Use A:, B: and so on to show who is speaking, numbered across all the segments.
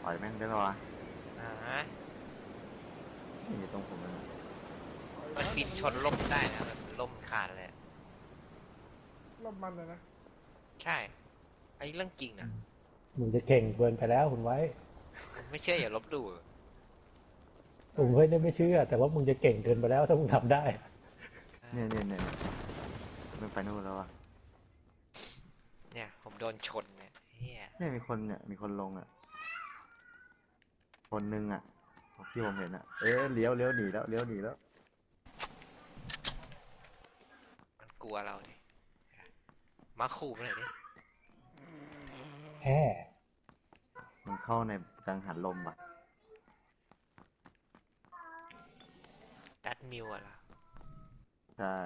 A: อยแม่งได้ปะวะ
B: อ่า
A: นี่อยู่ตรงผมเลยนะ
B: มันบินชนล่มได้นะแบบล่มขาดเลยอะ
C: รอบมันเลยนะ
B: ใช่อันนี้เรื่องจริงนะ
D: มึงจะเก่งเกินไปแล้วคุณไว้
B: ไม่เชื่ออย่าลบหลู่
D: ผมเฮ้ยเนี่ยไม่เชื่อ แต่ว่ามึงจะเก่งเกินไปแล้วถ้ามึงทำได้
A: เนี่ยมันไปนู่นแล้วอ่ะ
B: เนี่ยผมโดนชนเนี่ยเฮีย
A: เนี่ยมีคนลงอ่ะคนนึงอ่ะที่ผมเห็นอ่ะเลี้ยวหนีแล้วเลี้ยวหนีแล้ว
B: มันกลัวเราดิมาขู่มันหน่อยดิ
D: แฮ่
A: มันเข้าในกังหันลมอ่ะ
B: ดัดมิวอะล่ะ
A: ใช่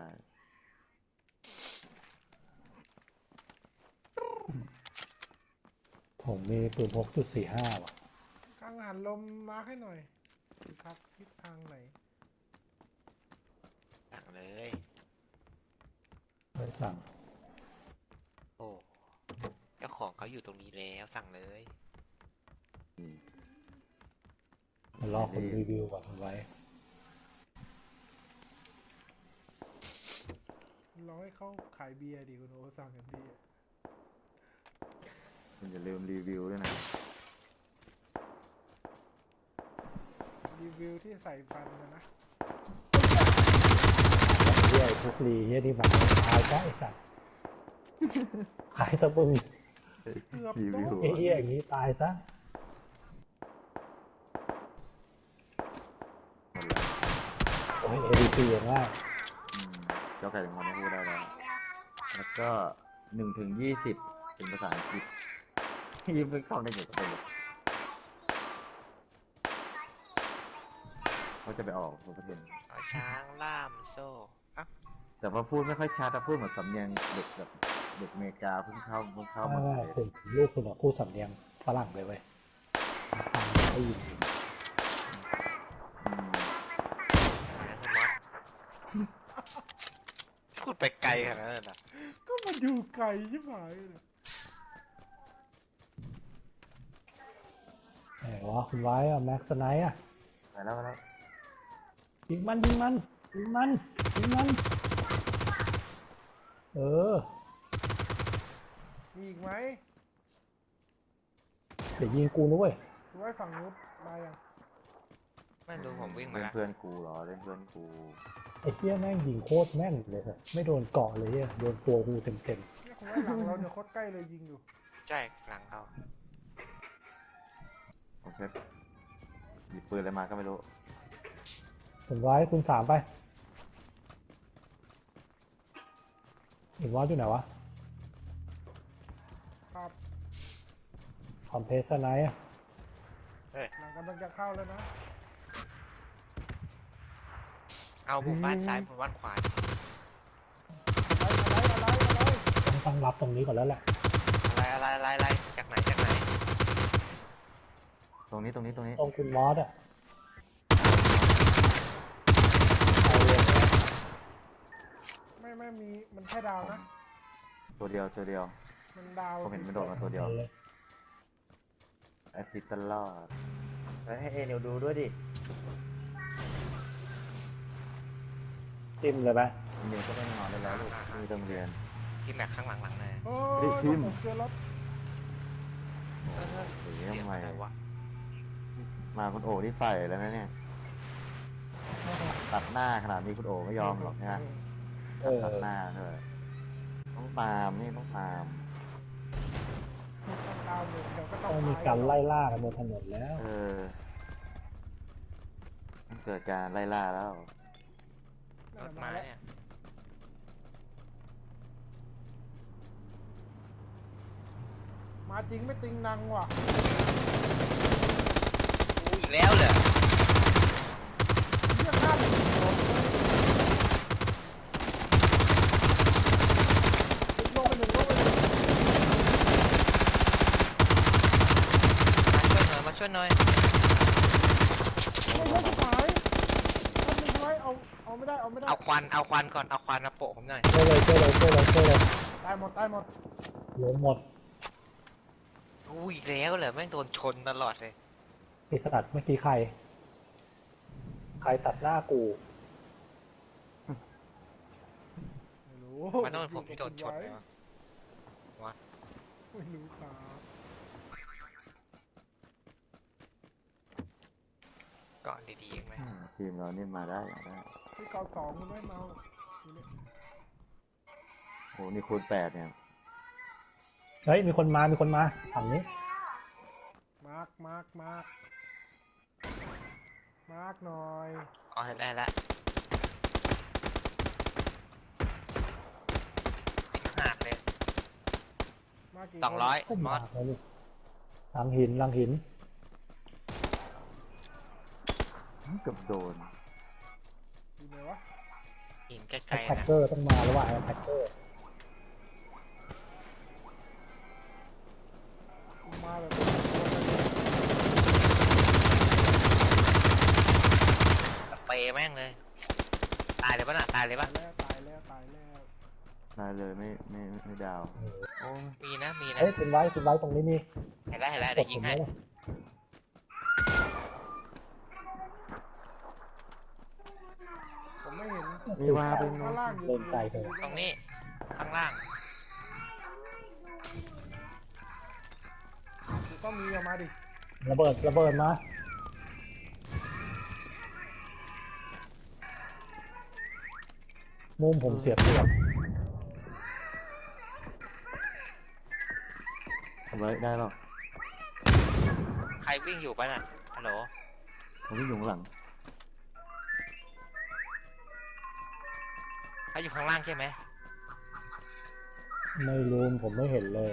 D: ผมมีปืน6.45ว่ะ
C: กังหันลมมาร์คให้หน่อยครับทิศทางไหน
B: สั่งเลย
D: ไม่สั่ง
B: โอ้เจ้าของเขาอยู่ตรงนี้แล้วสั่งเลย
D: มันรอคนรีวิวก่อนคุณไว้
C: ลองให้เขาขายเบียร์ดิคุณโอสั่งกันดีอะ
A: คุณอย่าลืมรีวิวด้วยนะ
C: รีวิวที่ใส่ฟันนะ
D: เฮียทุกรีเฮียที่มาตายซะไอ้สัตว์ขายตะบึง
C: เกือบ
A: รี
C: โด
A: วิวน
D: เฮียอย่างนี้ตายซะ
A: หมดแล้ว
D: โอ้ย ADP อย่างง่าย
A: เจ้าไก่ถึงวันนี้พูดได้แล้วแล้วก็1 ถึง 20เป็นภาษาอังกฤษยิ่งไม่เข้าได้เกี่ยวกับเลยเขาจะไปออกตัวประเทศ
B: เอาช้างล่ามโซ่อ่ะ
A: แต่ว่าพูดไม่ค่อยชัดแต่พูดเหมือนสำเนียงเด็กแบบเด็กอเมริกาเพิ่งเข้าเมืองไทย
D: คุณลูกคุณอะพูดสำเนียงฝรั่งเลยเว้ยฟังได้ยิน
A: อืม
B: นะคุณมอสพูดไปไกลขนาดนั้นเหรอ
C: ก็มาอยู่ไกลใช่ไหมเลย
D: ไหนวะคุณไว้อะแม็กซ์ไนท์อะ
A: ไปแล้ว
D: ยิงมันเออ
C: มีอีกไหม
D: เดี๋ยวยิงกูนะเว้ย
C: คุณไว้ฝั่งนู้นมาอย่าง
B: ไม่รู้ผมวิ่งมา
A: เล่น
B: แล้ว
A: เพื่อนกูเหรอเล่นเพื่อนกู
D: ไอ้เหี้ยแม่งยิงโคตรแม่นเลยอะไม่โดนเกาะเลยอะโดนตัวกูเต็ม
C: เนี่ยคุณไว้หลังเราเนี่ยโคตรใกล้เลยยิงอยู่
B: ใช่หลังเขา
A: โอเคหยิบปืนอะไรมาก็ไม่รู้
D: ๆผมไว้คุณ3ไปอีกวอสอยู่ไหนวะ
C: ครับ
D: คอมเพรสไนท์อะ
C: หลังกำลังจะเข้าแล้วนะ
B: เอาบุกบ้านซ้ายบุกบ้านขวา
C: อะไร
D: ต้องรับตรงนี้ก่อนแล้วแหละ
B: อะไรจากไหน
A: ตรงนี้
D: ตรงคุณมอสอะเอาเลย
C: ไม่มีมันแค่ดาวนะ
A: ตัวเดียว
C: มันดาว
A: ผมเห็นมันโดดมาตัวเดียวแอซิดตลอดให้เอเนลดูด้วยดิ
D: จิ้มเลยไหม
A: เดี๋ยวก็ไม่นอนได้แล้วลูกมีต้องเรียน
B: ที่แม็กข้างหลังเลย
C: โอ้
A: เฮ้ย
C: ย
A: ทิม
C: ผมเจอรถ
A: เสีย
B: เสียง
A: ทำไม
B: อะไรวะ
A: มาคุณโอที่ใส่แล้วนะเนี่ย ตัดหน้าขนาดนี้คุณโอไม่ยอมหรอกนะ
D: เออ
A: ตัดหน้าเถอะต้องตามนี่ต้องตาม
C: ดาวเลยเดี๋ยวก็ต้
D: ต้
C: อ
D: อง งมีการไล่ล่ากันบนถนนแล้ว
A: ต้องเกิดการไล่ล่าแล้ว
B: รถมาเนี่ย
C: มาจริงไม่ติงนังว่ะ
B: อู้อีกแล้วเหรอ
C: เรื่องหน้าเลยลงไปหนึ่ง
B: มาช่วยหน่อย
C: ไม่ใช่สุดท้ายทำไมเอาไม่ได้
B: เอาควันก่อนเอาควันมาโปะผมหน่อย
D: ช่วยเลย
C: ตายหมด
D: ล้มหมด
B: กูอีกแล้วเหรอแม่งโดนชนตลอดเลย
D: ไอ้สัตว์เมื่อกี้ใครตัดหน้ากู
C: ไม่รู้
B: มันต้องเป็นผมที่โดนชนเลยวะ
C: ไม่รู้ครับ
B: ก่อนดีๆเองไหม
A: ทีมเรานี่มาได้
C: พี่เกาสองคุณไม่เมาอยู่เนี่ย
A: โอ้นี่คูณ8เนี่ย
D: เฮ้ยมีคนมาฝั่งนี้
C: มาร์กหน่อย
B: อ๋อเห็นแล้วละหักเลย
C: มาร์กกี่
B: 200
D: ก็
B: ม
D: มา
B: อส
D: เลยลูกหลังหิน
A: เกือบโดน
C: อยู่ไหนวะ
B: หินใก
D: แท็
B: ล้ๆ
D: ก
B: นะ
D: เกอร์ต้องมาแล้วว่ะแท็กเกอร์
C: มาแบบ
B: สเปรย์แม่งเลย ตายเลยปะน่ะตายเลยปะ
C: ตายแล้ว
A: ได้เลยไม่ดาวโอ้ย
B: มีนะมีนะ
D: เฮ้ยคุณไว้ตรงนี้มี
B: เห็นแล้วเดี๋ยวยิงให้
C: ผมไม่เห็น
A: มีว่าเป็น
C: ข้างล่างอยู่
D: เล่นไกลเลย
B: ตรงนี้ข้างล่าง
C: ต้องมีออกมาดิ
D: ระเบิดมามุมผมเสียเปรียบ
A: ทำไว้ได้หรอก
B: ใครวิ่งอยู่ปะน่ะฮัลโหล
A: ผมวิ่งอยู่ข้างหลัง
B: เขาอยู่ข้างล่างใช่ไหม
D: ไม่รู้ผมไม่เห็นเลย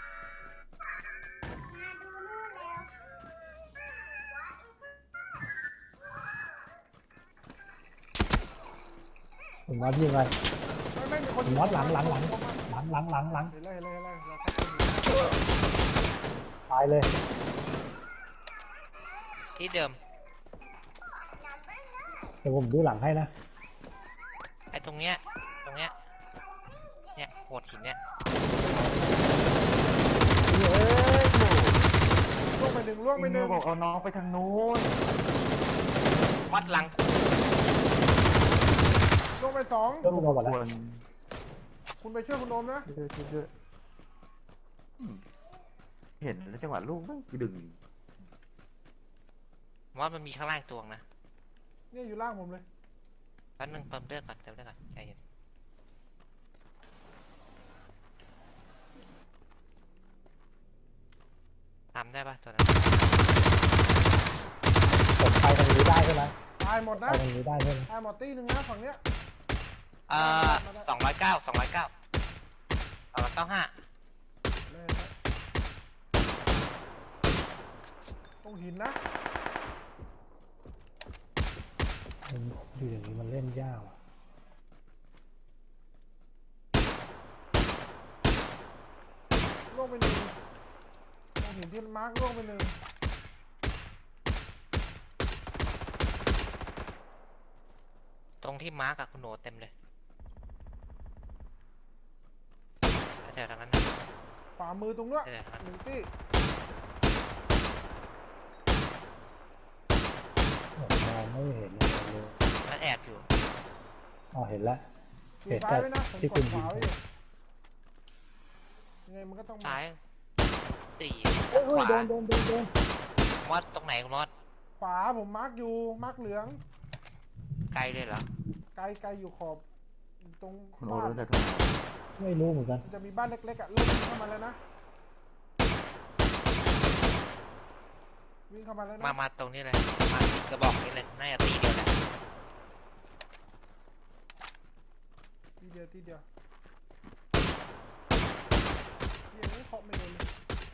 D: คุณมอสยิงไง
C: ไม่มีคน
D: คุณมอสหลัง
C: เห็นแล้ว
D: เราเข้าไปดูตายเลย
B: ที่เดิม
D: เดี๋ยวผมดูหลังให้นะ
B: ไอ้ตรงเนี้ยเนี่ยโหดหินเนี่ย
C: ล่วงไปหนึ่ง
A: บอกเอาน้องไปทางนู้น
B: วัดหลัง
C: ล่วงไปสอง
D: เริ่มมาหมด
A: ค
D: แล้ว
A: วร
C: คุณไปช่วยคุณโอมนะ
A: ช่วยเห็นแล้วจังหวะลูกไม่ดึง
B: ว่ามันมีข้างล่างตัวนะ
C: เนี่ยอยู่ล่างผมเลย
B: แป๊บนึงเติมเลือดก่อนใจเย็นทำได้ปะตัวนั้น
D: ผมไปตรงนี้ได้ใช่ไหม
C: ตายหมด
D: ไป
C: นะ
D: ตรงนี้ได้ใช่ไหม
C: ตายหมดตีหนึ่งนะฝั่งเนี้ย
B: 209 295
C: เลยนะตรงหินนะ
D: อยู่อย่างนี้มันเล่นยากอ่ะ
C: ล่วงไปหนึ่งตรงหินที่มาร์กล่วงไปหนึ่ง
B: ตรงที่มาร์กอะคุณโหนเต็มเลยแถวๆนั้นนะ
C: ขวามือตรงเนี้ย
B: แถวๆนั้น
C: หนึ่งตี
D: ผมมองไม่เห็นเลย
B: มันแอบอยู่
D: อ๋อเห็นแล้ว
C: ดูซ้ายไว้นะผม
D: ที่
C: ก
D: คุ
C: ด
D: ณ
C: ข
D: ยิ
C: วาง ไว้อยู่ยังไงมันก็ต้องมา
B: ซ้ายสี่
D: โอ้ย
B: ขวา
D: โดน
B: มอดตรงไหนคุณมอด
C: ขวาผมมาร์กอยู่มาร์กเหลือง
B: ไกลเลยเหรอ
C: ไกลอยู่ขอบตรง
A: คุณโอ
C: บ้าน
A: รู้แต่ทำไม
D: ไม่รู้เหมือนกัน
C: มันจะมีบ้านเล็กๆอ่ะเริ่มวิ่งเข้ามาแล้วนะวิ่งเข้ามาแล้วนะ
B: มาตรงนี้เลยมาติดกระบอกนี้เลยน่าจะตีเดียวแหละ
C: ทีเดียวที่ยังไม่เคาะไม่โดนเลย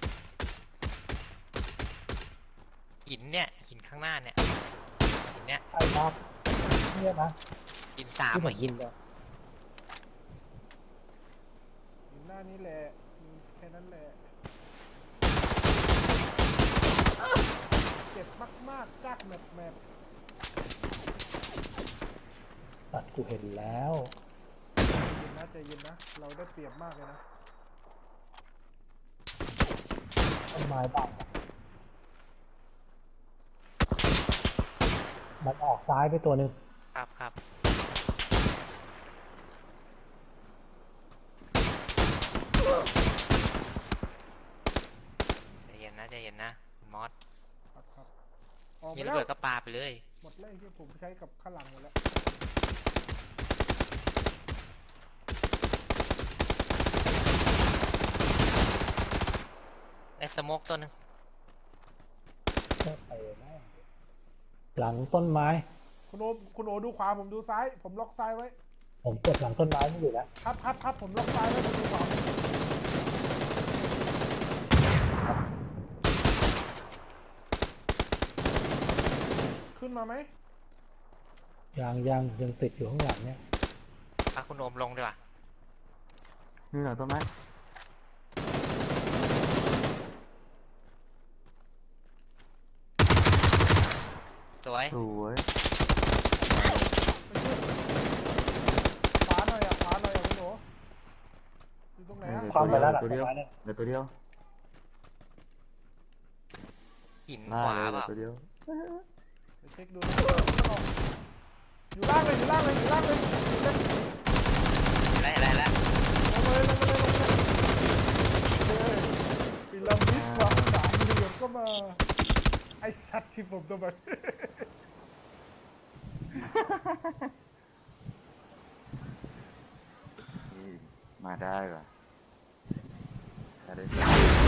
B: หินเนี่ยหินข้างหน้าเนี่ยหินเนี่ย
D: ไอ้ครับเนี่ยนะ
B: หินสาม
D: ที่ผ
B: อะ
D: ม
B: หิ
D: ยิ
B: น
D: งเลย
C: อยู่หน้านี้แหละแค่นั้นแหละเจ็บมากๆจากแมป
D: ตัดกูเห็นแล้ว
C: ใจเย็นนะเราได้เปรียบมากเลยนะ
D: ต้นไม้บังมันออกซ้ายไปตัวหนึ่ง
B: ครับครับใจเย็นนะใจเย็นนะคุณมอส
C: ครับครับออกไป
B: ยิง
C: แล้
B: ระ
C: ว
B: เบิดก็ปาไปเลย
C: หมดเลยที่ผมใช้กับข้างหลังหมดแล้ว
B: ในสโมกตัวหนึง
D: ไม่ไปแม่งหลังต้นไม้
C: คุณโอดูขวาผมดูซ้าย ผมล็อกซ้ายไว้
D: ผมกดหลังต้นไม้ไม่อยู่แล้ว
C: ครับผมล็อกซ้ายไว้ผมดูขวาขึ้นมาไหม
D: ยังติดอยู่ข้างหลังเนี่ย
B: พาคุณโอมลงดีกว่า
A: นี่เหรอต้นไม้
B: สวย
A: สวย
C: ขวาหน่อยขวาหน่อยคุณโออยู่ตรงไหนอะ
D: ความไปแล้วหลัง
A: ตัว
D: ต้
A: เดี
D: น
A: ยว
D: ไม้เนี่ย
A: เหลือตัวเดียว
B: หิน
A: หน้า
B: ขวา
A: เลย
B: เป
A: เหลือ
B: ล่า
A: ตัวเดียว
C: เดี๋ยวเช็คดูนะอยู่ล่างเลยอยู่ล่างเลยอยู่ล่างเลย
B: อะไรแล้ว
C: ลงมาเลยปีระมิดความสามเหลี่ยมก็มาไอสัตว์ที่ผมทำไม
A: นี่มาได้ป่ะได้